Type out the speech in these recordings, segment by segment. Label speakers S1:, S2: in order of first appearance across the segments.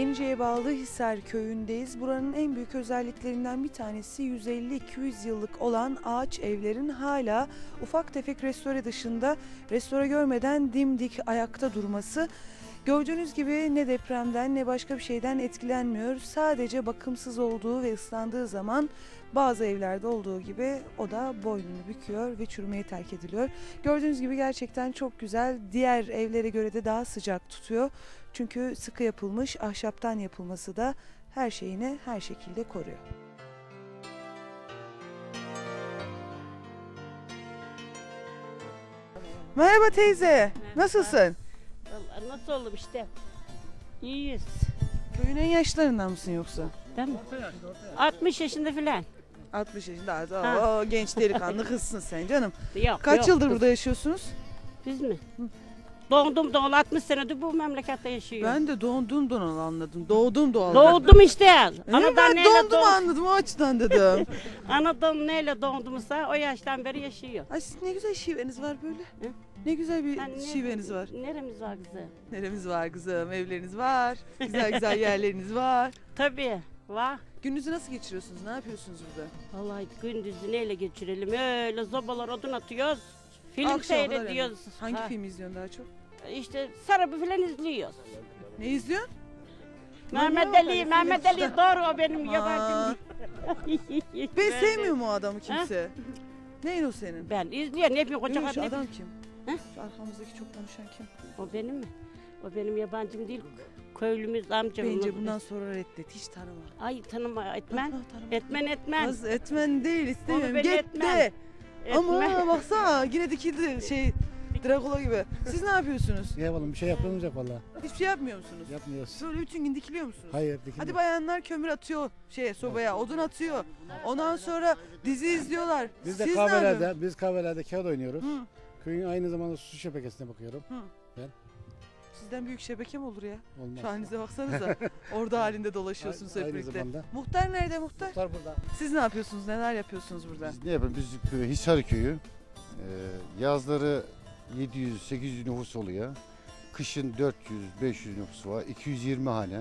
S1: Yenice'ye bağlı Hisar köyündeyiz. Buranın en büyük özelliklerinden bir tanesi 150-200 yıllık olan ağaç evlerin hala ufak tefek restore dışında restore görmeden dimdik ayakta durması. Gördüğünüz gibi ne depremden ne başka bir şeyden etkilenmiyor. Sadece bakımsız olduğu ve ıslandığı zaman bazı evlerde olduğu gibi o da boynunu büküyor ve çürümeye terk ediliyor. Gördüğünüz gibi gerçekten çok güzel. Diğer evlere göre de daha sıcak tutuyor. Çünkü sıkı yapılmış, ahşaptan yapılması da her şeyini her şekilde koruyor. Merhaba teyze,
S2: Merhaba.
S1: nasılsın?
S2: Vallahi nasıl oldum işte. İyiyiz.
S1: Köyün en yaşlarından mısın yoksa?
S2: Değil mi? 60 yaşında filan.
S1: 60 yaşında.
S2: Ha.
S1: O genç delikanlı kızsın sen canım.
S2: Yok.
S1: Kaç
S2: yok.
S1: yıldır burada yaşıyorsunuz?
S2: Biz mi? Doğdum doğalı 60 senedir bu memlekette yaşıyorum.
S1: Ben de doğdum doğalı anladım. Doğdum doğalı.
S2: Doğdum işte.
S1: Ben doğdum anladım o açıdan dedim.
S2: Anadan neyle doğdumsa o yaştan beri yaşıyor.
S1: Ay sizin ne güzel şiveniz var böyle.
S2: Hı?
S1: Ne güzel bir
S2: Yani
S1: şiveniz var.
S2: Neremiz var kızım?
S1: Neremiz var kızım, evleriniz var. Güzel güzel yerleriniz var.
S2: Tabii. Var.
S1: Gününüzü nasıl geçiriyorsunuz? Ne yapıyorsunuz burada?
S2: Vallahi gündüzü neyle geçirelim? Öyle zobalar odun atıyoruz. Film
S1: Akşama kadar
S2: seyrediyoruz.
S1: yani. Hangi
S2: Ha,
S1: film izliyorsun daha çok?
S2: İşte Sarabı filan izliyoruz.
S1: Ne izliyorsun?
S2: Mehmet
S1: Manyak
S2: Ali,
S1: herif,
S2: Mehmet
S1: film
S2: Ali doğru o benim
S1: Aa,
S2: yabancım.
S1: Ben sevmiyorum o adamı kimse. Neyin o senin?
S2: Ben izliyorum, ne yapayım koca
S1: Yok, şu
S2: kadın.
S1: adam kim?
S2: He?
S1: Şu arkamızdaki çok konuşan kim?
S2: O benim mi? O benim yabancım değil, köylümüz amcamız.
S1: Bence bundan sonra reddet, hiç tanıma.
S2: Ay tanıma, etmen.
S1: Tanıma.
S2: Etmen.
S1: Kız etmen değil, istemiyorum.
S2: Onu beni
S1: Get
S2: etmen.
S1: de. Ama
S2: Etmen.
S1: baksana yine dikildi Drakula gibi. Siz ne yapıyorsunuz?
S3: Ne yapalım bir şey yapmamız yok valla.
S1: Hiçbir şey yapmıyor musunuz?
S3: Yapmıyoruz.
S1: Böyle bütün gün dikiliyor musunuz?
S3: Hayır dikilmiyor.
S1: Hadi bayanlar kömür atıyor sobaya, odun atıyor. Ondan sonra dizi izliyorlar.
S3: Biz de
S1: Siz ne yapıyorsunuz?
S3: kahvelerde kağıt oynuyoruz.
S1: Hı.
S3: Köyün aynı zamanda su şebekesine bakıyorum.
S1: Sizden büyük şebeke mi olur ya?
S3: Olmaz.
S1: Şu halinize baksanıza. Orada halinde dolaşıyorsunuz hep
S3: Aynı
S1: birlikte.
S3: zamanda.
S1: Muhtar nerede muhtar?
S3: Muhtar burada.
S1: Siz ne yapıyorsunuz? Neler yapıyorsunuz burada?
S4: Biz ne yapalım? Biz Hisar köyü. Yazları 700-800 nüfus oluyor. Kışın 400-500 nüfus var. 220 hane.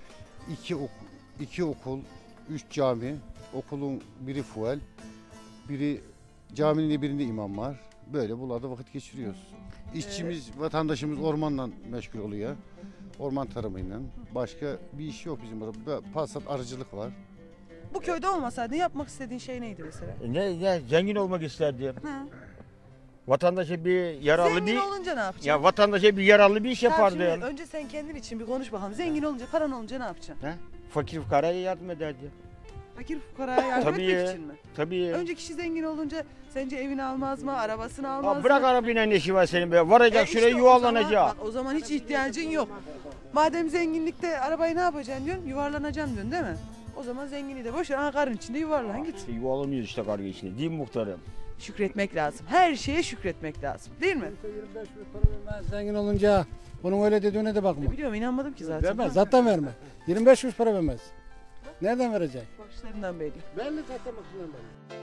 S4: 2 okul, 3 cami. Okulun biri fuel. Caminin birinde imam var. Böyle buralarda vakit geçiriyoruz. İşçimiz, vatandaşımız ormanla meşgul oluyor. Orman tarımıyla. Başka bir iş yok bizim burada. Pasat arıcılık var.
S1: Bu köyde olmasaydın yapmak istediğin şey neydi mesela?
S5: Ne zengin olmak isterdim.
S1: Hı.
S5: Vatandaşa bir yararlı
S1: Zengin
S5: bir
S1: olunca ne yapacaksın?
S5: ya vatandaşa bir yararlı bir iş
S1: Tamam,
S5: yapardım.
S1: şimdi önce sen kendin için bir konuş bakalım. Zengin olunca, paran olunca ne yapacaksın?
S5: Fakir fukaraya yardım ederdi.
S1: Fakir fukaraya yardım
S5: Tabii
S1: etmek
S5: ya.
S1: için mi?
S5: Tabii.
S1: Önce kişi zengin olunca sence evini almaz mı, arabasını almaz
S5: Bırak
S1: mı?
S5: arabayla ne işi var senin be. Varacak şuraya
S1: işte
S5: yuvarlanacak.
S1: o zaman hiç ihtiyacın yok. Madem zenginlikte arabayı ne yapacaksın diyorsun, yuvarlanacaksın diyorsun değil mi? O zaman zengini de boş ver, aha karın içinde yuvarlan git.
S5: Yuvarlanıyoruz işte karga içinde. Değil mi muhtarım?
S1: Şükretmek lazım. Her şeye şükretmek lazım. Değil mi?
S3: 25 kuruş para vermez zengin olunca. Bunun öyle dediğine de bakma.
S1: Biliyorum, inanmadım ki zaten.
S3: Vermez zaten vermez. 25 kuruş para vermez. Nereden verecek?
S1: Bakışlarından belli.
S3: Belli zaten bakımdan belli.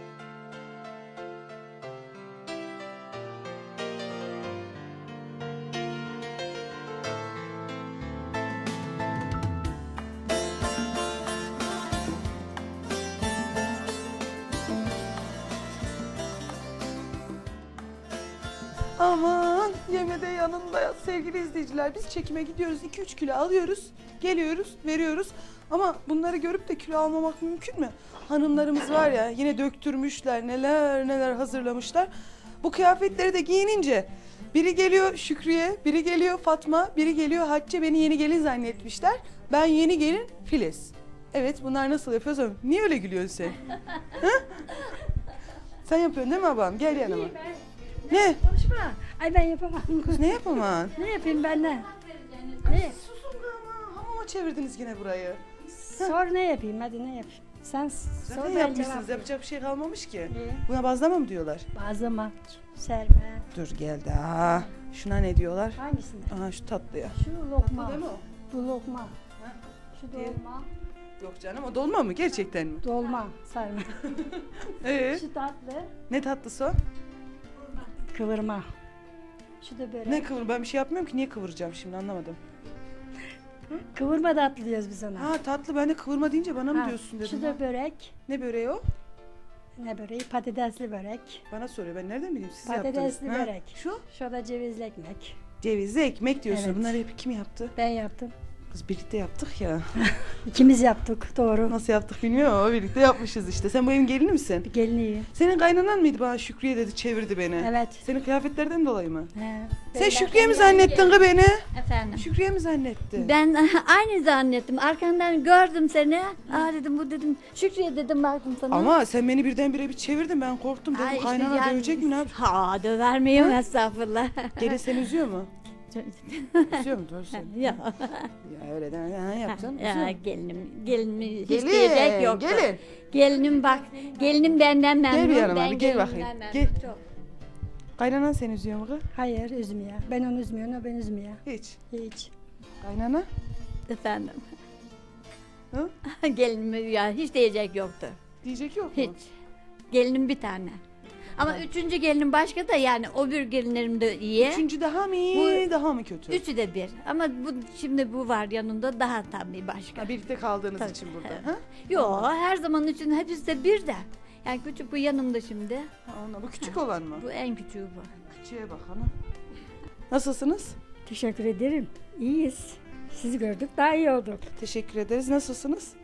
S1: Aman yemede yanında ya sevgili izleyiciler, biz çekime gidiyoruz, 2-3 kilo alıyoruz, geliyoruz, veriyoruz ama bunları görüp de kilo almamak mümkün mü? Hanımlarımız var ya, yine döktürmüşler, neler neler hazırlamışlar. Bu kıyafetleri de giyinince biri geliyor Şükriye, biri geliyor Fatma, biri geliyor Hatice, beni yeni gelin zannetmişler. Ben yeni gelin Filiz. Evet, bunlar nasıl yapıyorsa, niye öyle gülüyorsun sen? Ha? Sen yapıyorsun değil mi abam? Gel yanıma. Ne?
S6: Konuşma. Ay ben yapamam.
S1: Kız ne yapamam?
S6: Ne yapayım ben ne?
S1: Susun be ama, hamama çevirdiniz yine burayı.
S6: Sor ne yapayım hadi ne yapayım? Sen
S1: Zaten
S6: sor ben
S1: yapmışsınız,
S6: cevap.
S1: yapacak bir şey kalmamış ki.
S6: Ne?
S1: Buna bazlama mı diyorlar?
S6: Bazlama, serme.
S1: Dur geldi. Aa, şuna ne diyorlar?
S6: Hangisini?
S1: Aha şu tatlıya.
S6: Şu lokma.
S1: Değil mi o?
S6: Bu lokma. Şu
S1: Diğer-
S6: dolma.
S1: Yok canım, o dolma mı? Gerçekten mi?
S6: Dolma, sarma. Şu tatlı,
S1: Ne tatlısı o?
S6: kıvırma. Şu da börek.
S1: Ne kıvır? Ben bir şey yapmıyorum ki, niye kıvıracağım şimdi, anlamadım.
S6: Kıvırma tatlı diyoruz biz ona.
S1: Ha tatlı, ben de kıvırma deyince bana mı
S6: Ha,
S1: diyorsun dedim.
S6: Şu da börek.
S1: Ne böreği o?
S6: Ne böreği? Patatesli börek.
S1: Bana soruyor, ben nereden bileyim siz yaptınız.
S6: Patatesli
S1: Ha,
S6: börek.
S1: Şu?
S6: Şu da cevizli ekmek.
S1: Cevizli ekmek diyorsun.
S6: Evet.
S1: Bunları hep kim yaptı?
S6: Ben yaptım.
S1: Kız birlikte yaptık ya.
S6: İkimiz yaptık. Doğru.
S1: Nasıl yaptık bilmiyorum ama birlikte yapmışız işte. Sen bu evin gelini misin?
S6: Bir gelinliği.
S1: Senin kaynanan mıydı bana Şükriye dedi, çevirdi beni.
S6: Evet.
S1: Senin kıyafetlerden dolayı mı?
S6: He.
S1: Sen Şükriye mi zannettin kız beni?
S7: Efendim.
S1: Şükriye mi zannetti?
S7: Ben aynı zannettim. Arkandan gördüm seni. Aa dedim bu dedim. Şükriye dedim baktım sana.
S1: Ama sen beni birdenbire bir çevirdin, ben korktum dedim.
S7: Ay işte
S1: Kaynana
S7: yani-
S1: dövecek mi ne yap?
S7: Ha döver miyim estağfurullah.
S1: Gelin seni üzüyor mu? Üzüyor mu? Doğru söyle.
S7: ya,
S1: Ya öyle deme. Ha, yapacağım. üzüyor
S7: ya
S1: mu?
S7: gelinimi hiç
S1: Gelin,
S7: diyecek yoktu.
S1: gelin.
S7: Gelinim bak. Gelinim benden memnun.
S1: Gel bir yanıma
S7: ben
S1: bir, gel
S7: gelinimden
S1: bakayım.
S7: memnun,
S1: Gel.
S7: çok.
S1: Kaynanan seni üzüyor mu kız?
S6: Hayır üzmüyor. Ben onu üzmüyorum. O beni üzmüyor.
S1: Hiç.
S6: Hiç.
S1: Kaynana?
S7: Efendim.
S1: Hı?
S7: Gelinime ya hiç diyecek yoktu.
S1: Diyecek yok mu?
S7: Hiç. Gelinim bir tane. Ama üçüncü gelinim başka da yani o bir gelinlerim de iyi.
S1: Üçüncü daha mı iyi,
S7: Bu-
S1: daha mı kötü?
S7: Üçü de bir. Ama bu şimdi bu var yanında daha tabii başka.
S1: Ha, birlikte kaldığınız
S7: Tabii.
S1: için burada.
S7: Evet.
S1: Ha?
S7: Yo her zaman için hepsi de bir de. Yani küçük bu yanımda şimdi.
S1: Ha, ona, bu küçük olan mı?
S7: Bu en küçüğü bu.
S1: Küçüğe bak hanım. Nasılsınız?
S6: Teşekkür ederim. İyiyiz. Sizi gördük daha iyi olduk.
S1: Teşekkür ederiz. Nasılsınız?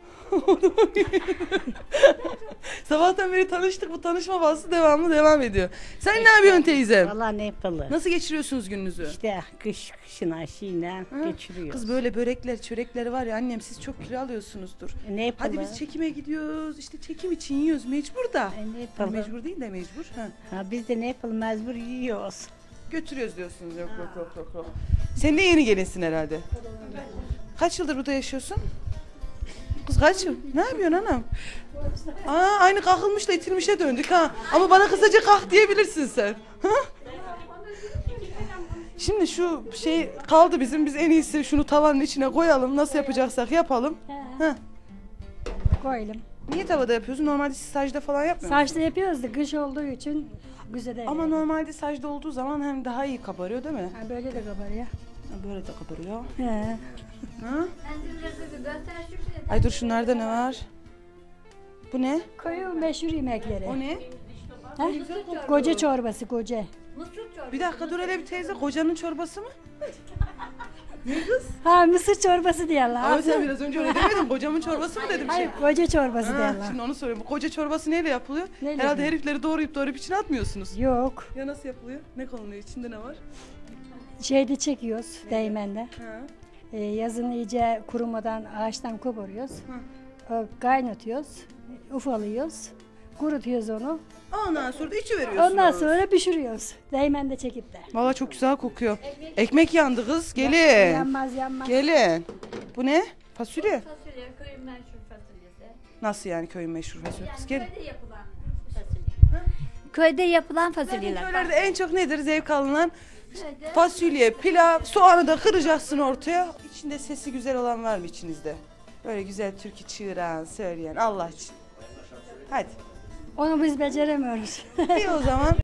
S1: Sabahtan beri tanıştık. Bu tanışma bahsi devam ediyor. Sen ne yapıyorsun teyzem?
S8: Valla ne yapalım?
S1: Nasıl geçiriyorsunuz gününüzü?
S8: İşte kışın aşıyla geçiriyoruz.
S1: Kız böyle börekler, çörekler var ya annem, siz çok kilo alıyorsunuzdur.
S8: Ne yapalım?
S1: Hadi biz çekime gidiyoruz. İşte çekim için yiyoruz mecbur da.
S8: Ne
S1: Hani
S8: yapalım?
S1: mecbur değil de mecbur. Ha.
S8: Ha, biz de ne yapalım mecbur yiyoruz.
S1: Götürüyoruz diyorsunuz. Yok. Sen de yeni gelinsin herhalde. Kaç yıldır burada yaşıyorsun? Kız kaç yıl? Ne yapıyorsun anam? Aa, aynı kalkılmışla itilmişe döndük ha. Ama bana kısaca kalk diyebilirsin sen. Ha? Şimdi şu şey kaldı bizim. Biz en iyisi şunu tavanın içine koyalım. Nasıl yapacaksak yapalım. Ha.
S6: Koyalım.
S1: Niye tavada yapıyorsun? Normalde siz sacda falan yapmıyor musunuz?
S6: Saçta yapıyoruz da kış olduğu için güzel değil.
S1: Ama normalde sacda olduğu zaman hem daha iyi kabarıyor değil mi?
S6: Ha, böyle de kabarıyor.
S1: Ha, böyle de kabarıyor.
S6: He.
S1: Ha? Ay dur, şunlarda ne var? Bu ne?
S6: Koyun meşhur yemekleri.
S1: O ne?
S6: Ha? Koca çorbası koca.
S1: Bir dakika dur hele bir teyze, kocanın çorbası mı? Ne kız?
S6: Ha mısır çorbası diyorlar.
S1: Abi sen biraz önce öyle demedin, kocamın çorbası mı dedim
S6: Hayır
S1: şey.
S6: koca çorbası
S1: Ha,
S6: diyorlar.
S1: şimdi onu soruyorum. Bu koca çorbası neyle yapılıyor?
S6: Neyle
S1: Herhalde
S6: yapılıyor?
S1: herifleri doğrayıp içine atmıyorsunuz.
S6: Yok.
S1: Ya nasıl yapılıyor? Ne konuluyor? İçinde ne var?
S6: Şeyde çekiyoruz değmende.
S1: Ha.
S6: Yazın iyice kurumadan ağaçtan koparıyoruz. Kaynatıyoruz. Ufalıyoruz. Kurutuyoruz onu.
S1: Ondan sonra da içi veriyorsunuz.
S6: Ondan sonra pişiriyoruz. Değmende çekip de.
S1: Valla çok güzel kokuyor. Ekmek yandı kız. Gelin.
S6: Yanmaz.
S1: Gelin. Bu ne? Fasulye.
S7: Fasulye köyün meşhur fasulyesi.
S1: Nasıl yani köyün meşhur fasulyesi? Gelin.
S7: Köyde yapılan fasulye. Köyde yapılan fasulyeler.
S1: Köylerde en çok nedir zevk alınan? Fasulye, pilav, soğanı da kıracaksın ortaya. İçinde sesi güzel olan var mı içinizde? Böyle güzel türkü çığıran, söyleyen Allah için. Hadi.
S6: Onu biz beceremiyoruz.
S1: İyi o zaman.